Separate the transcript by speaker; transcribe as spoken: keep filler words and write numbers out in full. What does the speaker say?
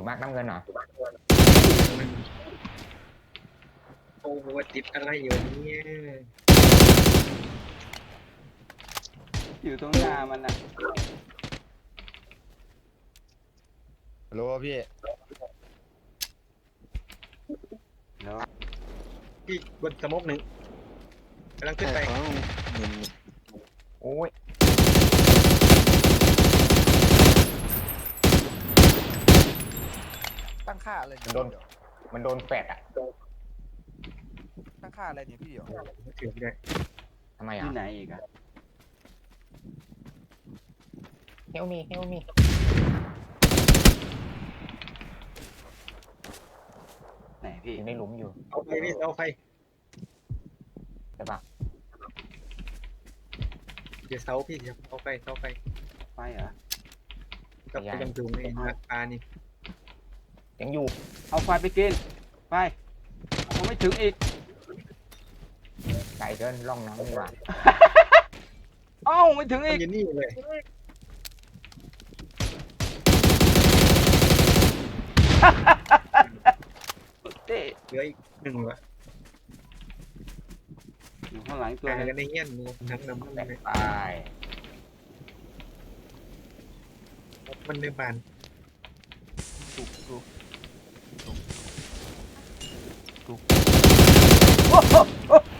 Speaker 1: มากน้ำเงินเหรอ
Speaker 2: มันโอ้โหติดอะไรอยู่เนี่ย
Speaker 3: อยู่ตรงหน้ามันนะ
Speaker 4: ฮัลโหลพี่
Speaker 3: แล้ว
Speaker 2: พี่บนสมกหนึ่งกำลังขึ้นไป
Speaker 4: เอ้าเงิน
Speaker 1: โอ้ย
Speaker 5: ตั้งค่าอะไร
Speaker 1: มันโดนมันโดนแฟดอ่ะ
Speaker 5: ตั้งค่าอะไรเนี่ยพี่เดี๋ยว
Speaker 2: ถือได้
Speaker 1: ทำไมอ่ะ
Speaker 3: ที่ไหนอีกอะ
Speaker 1: เฮลมีเฮลมี
Speaker 3: ไหนพี่
Speaker 1: อยู่ในหลุมอยู่
Speaker 2: เอาไฟพี่เอาไฟ
Speaker 1: ใช่ปะ
Speaker 2: เดี๋ยวเสาพี่เดี๋ยวเอาไฟเอาไฟ
Speaker 3: ไฟเหรอ
Speaker 2: กับไปยังดูในราคานี่
Speaker 1: ยังอยู่
Speaker 3: เอาไฟไปกินไปเอาไม่ถึงอีก
Speaker 1: ไก่เกินร่องน้ำดีกว่า
Speaker 3: เอ้าไม่ถึง
Speaker 2: มัน
Speaker 3: อีก
Speaker 2: อยู่นี่เลย
Speaker 3: เต้
Speaker 2: เหลืออีกหนึ่งวะ
Speaker 3: อยู่ข้างหลังตัว
Speaker 2: แต่
Speaker 3: นึง
Speaker 2: กันในเงี้ยนงูทั้งน้ำมัน
Speaker 1: แตก
Speaker 2: เลย
Speaker 1: ตาย
Speaker 2: มันในบาน
Speaker 3: ถูกถูกถูกถูกโอ้โห